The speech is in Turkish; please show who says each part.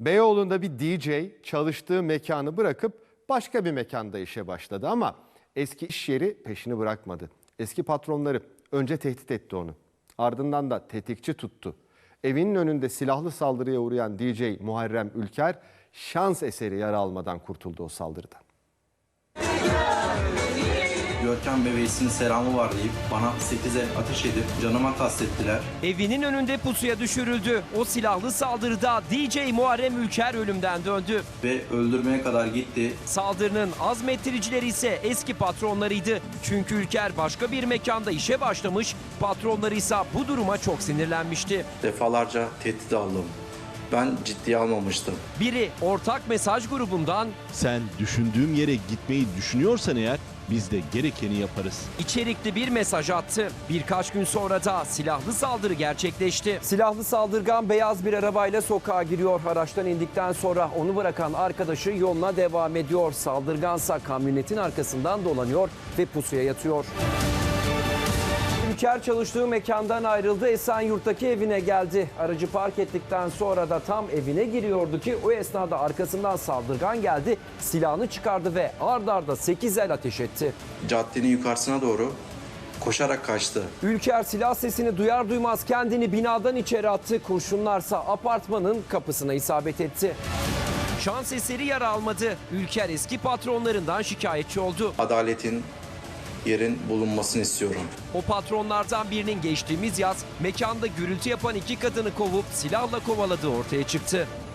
Speaker 1: Beyoğlu'nda bir DJ çalıştığı mekanı bırakıp başka bir mekanda işe başladı ama eski iş yeri peşini bırakmadı. Eski patronları önce tehdit etti onu. Ardından da tetikçi tuttu. Evinin önünde silahlı saldırıya uğrayan DJ Muharrem Ülker şans eseri yara almadan kurtuldu o saldırıdan.
Speaker 2: Görkem ve Veysi'nin selamı var deyip bana 8 el ateş edip canıma kastettiler.
Speaker 3: Evinin önünde pusuya düşürüldü. O silahlı saldırıda DJ Muharrem Ülker ölümden döndü.
Speaker 2: Ve öldürmeye kadar gitti.
Speaker 3: Saldırının azmettiricileri ise eski patronlarıydı. Çünkü Ülker başka bir mekanda işe başlamış, patronları ise bu duruma çok sinirlenmişti.
Speaker 2: Defalarca tehdit aldım. Ben ciddiye almamıştım.
Speaker 3: Biri ortak mesaj grubundan,
Speaker 4: sen düşündüğüm yere gitmeyi düşünüyorsan eğer biz de gerekeni yaparız.
Speaker 3: içerikli bir mesaj attı. Birkaç gün sonra da silahlı saldırı gerçekleşti. Silahlı saldırgan beyaz bir arabayla sokağa giriyor. Araçtan indikten sonra onu bırakan arkadaşı yoluna devam ediyor. Saldırgansa kamyonetin arkasından dolanıyor ve pusuya yatıyor. Ülker çalıştığı mekandan ayrıldı, Esenyurt'taki evine geldi. Aracı park ettikten sonra da tam evine giriyordu ki o esnada arkasından saldırgan geldi, silahını çıkardı ve ard arda 8 el ateş etti.
Speaker 2: Caddenin yukarısına doğru koşarak kaçtı.
Speaker 3: Ülker silah sesini duyar duymaz kendini binadan içeri attı. Kurşunlarsa apartmanın kapısına isabet etti. Şans eseri yara almadı. Ülker eski patronlarından şikayetçi oldu.
Speaker 2: Adaletin yerin bulunmasını istiyorum.
Speaker 3: O patronlardan birinin geçtiğimiz yaz mekanda gürültü yapan 2 kadını kovup silahla kovaladığı ortaya çıktı.